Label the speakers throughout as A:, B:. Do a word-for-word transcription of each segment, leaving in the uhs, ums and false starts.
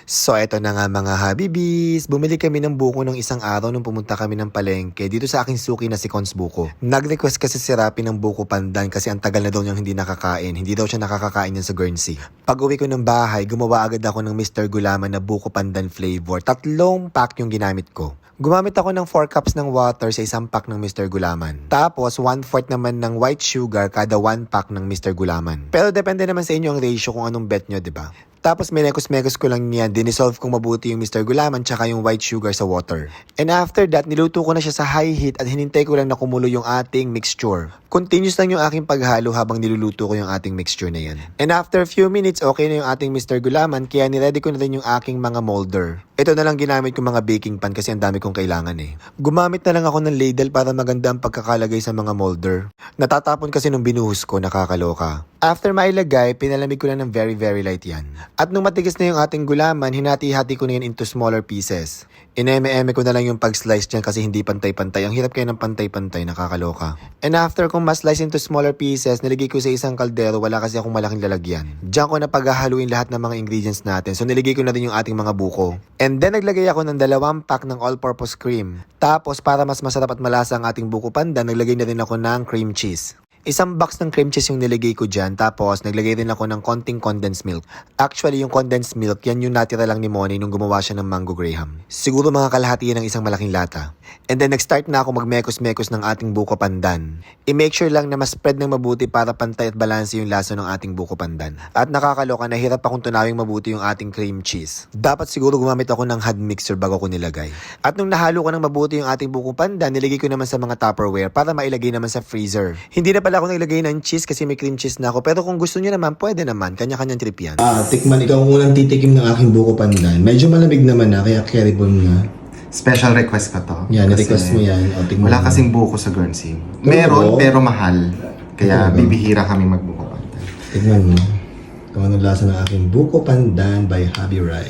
A: So eto na nga mga habibis, bumili kami ng buko ng isang araw nung pumunta kami ng palengke dito sa aking suki na si Cons Buko. Nag-request kasi si Rapi ng buko pandan kasi ang tagal na daw niyang hindi nakakain, hindi daw siya nakakakain yan sa Guernsey. Pag uwi ko ng bahay, gumawa agad ako ng mister Gulaman na buko pandan flavor. Tatlong pack yung ginamit ko. Gumamit ako ng four cups ng water sa isang pack ng mister Gulaman. Tapos one fourth naman ng white sugar kada one pack ng mister Gulaman. Pero depende naman sa inyo ang ratio kung anong bet nyo, di ba? Tapos minekos-mekos ko lang yan, dinisolve kong mabuti yung mister Gulaman tsaka yung white sugar sa water. And after that, niluto ko na siya sa high heat at hinintay ko lang na kumulo yung ating mixture. Continuous lang yung aking paghalo habang niluluto ko yung ating mixture na yan. And after a few minutes, okay na yung ating mister Gulaman kaya niready ko na rin yung aking mga molder. Ito na lang ginamit kong mga baking pan kasi ang dami kong kailangan eh. Gumamit na lang ako ng ladle para maganda ang pagkakalagay sa mga molder. Natatapon kasi nung binuhos ko, nakakaloka. After mailagay, pinalamig ko lang ng very very light yan. At nung matigas na yung ating gulaman, hinati-hati ko na yan into smaller pieces. Ineme-eme ko na lang yung pag-slice dyan kasi hindi pantay-pantay. Ang hirap kayo ng pantay-pantay, nakakaloka. And after kong ma-slice into smaller pieces, niligay ko sa isang kaldero, wala kasi akong malaking lalagyan. Diyan ko na paghahaluin lahat ng mga ingredients natin. So niligay ko na din yung ating mga buko. And then naglagay ako ng dalawang pack ng all-purpose cream. Tapos para mas masarap at malasa ang ating buko pandan, naglagay na rin ako ng cream cheese. Isang box ng cream cheese yung nilagay ko dyan, tapos naglagay rin ako ng konting condensed milk. Actually, yung condensed milk, yan yung natira lang ni Money nung gumawa siya ng mango graham. Siguro mga kalahati yan ng isang malaking lata. And then nag-start na ako magmekos-mekos ng ating buko pandan. I-make sure lang na mas spread ng mabuti para pantay at balanse yung lasa ng ating buko pandan. At nakakaloka, nahirap akong tunawing mabuti yung ating cream cheese. Dapat siguro gumamit ako ng hand mixer bago ko nilagay. At nung nahalo ko ng mabuti yung ating buko pandan, nilagay ko naman sa mga Tupperware para mailagay naman sa freezer. Hindi na pala ako naglagay ng cheese kasi may cream cheese na ako. Pero kung gusto niyo naman, pwede naman. Kanya-kanyang trip yan.
B: Ah, tikman. Ikaw ang unang titikim ng aking buko pandan. Medyo malamig naman na, kaya carryable na.
C: Special request ko to.
B: Yan,
C: Kasi
B: request mo yan. O, tikman
C: Wala
B: mo.
C: kasing buko sa Guernsey. Meron,
B: Oo.
C: pero mahal. Kaya
B: Oo.
C: bibihira kami magbuko pandan.
B: Tikman mo. Kung anong lasa ng aking buko pandan by Habi Rai.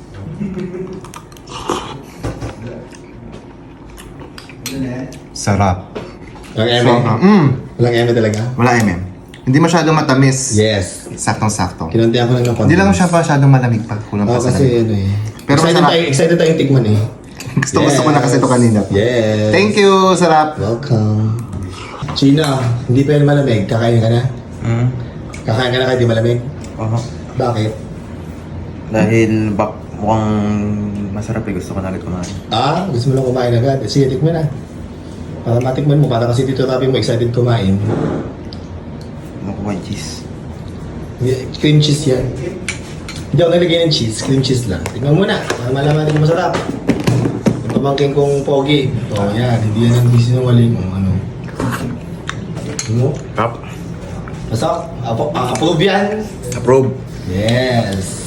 C: Sarap.
B: Walang eme?
C: Sobra. Mm.
B: Walang eme talaga?
C: Wala M M. Hindi masyadong matamis.
B: Yes.
C: Saktong-sakto.
B: Kinantihan ko lang ng konti.
C: Hindi lang siya masyadong malamig pa. Kulang
B: Oo,
C: pa sa
B: kasi
C: lamig.
B: ano eh.
C: Pero
B: excited
C: masarap.
B: tayo, excited tayong tikman eh.
C: Gusto, gusto ko na kasi ito kanina.
B: Yes.
C: Thank you, sarap.
B: Welcome. Chino, hindi pa yan malamig. Kakain ka na?
D: Hmm?
B: Kakain ka na kahit di malamig?
D: Oo.
B: Bakit?
D: Dahil bak mukhang masarap eh. Gusto ko na agad kumain.
B: Ah, gusto mo lang kumain agad. Eh, sige, tikman na. Para matikman mo, para kasi dito Rapi mo excited kumain.
D: Ano ko may cheese?
B: Yeah, cream cheese yan. Hindi ako nalagay ng cheese, cream cheese lang. Tignan mo na, para malaman natin kung masarap. Yung pamangkin kong pogi. Ito, yan, hindi yan ang bisinungaling kung ano. Ano?
D: Tap.
B: Masarap. Apo, ah, approve yan.
D: Approve.
B: Yes.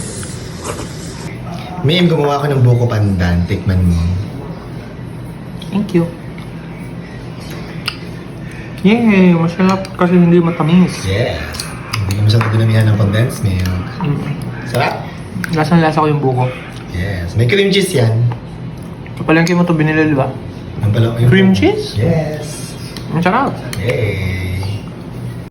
B: Mim, gumawa ko ng buko pandan. Tikman mo.
E: Thank you. Yay! Masarap kasi hindi matamis.
B: Yeah. Hindi ka masyadong dinamihan ng condensed milk.
E: Mm.
B: Sarap.
E: Lasang-lasa ko yung buko.
B: Yes. May cream cheese yan.
E: Kapalengke mo ito binili, di ba?
B: Ang pala-
E: Cream cheese?
B: Yes.
E: Ang sarap.
B: Yay.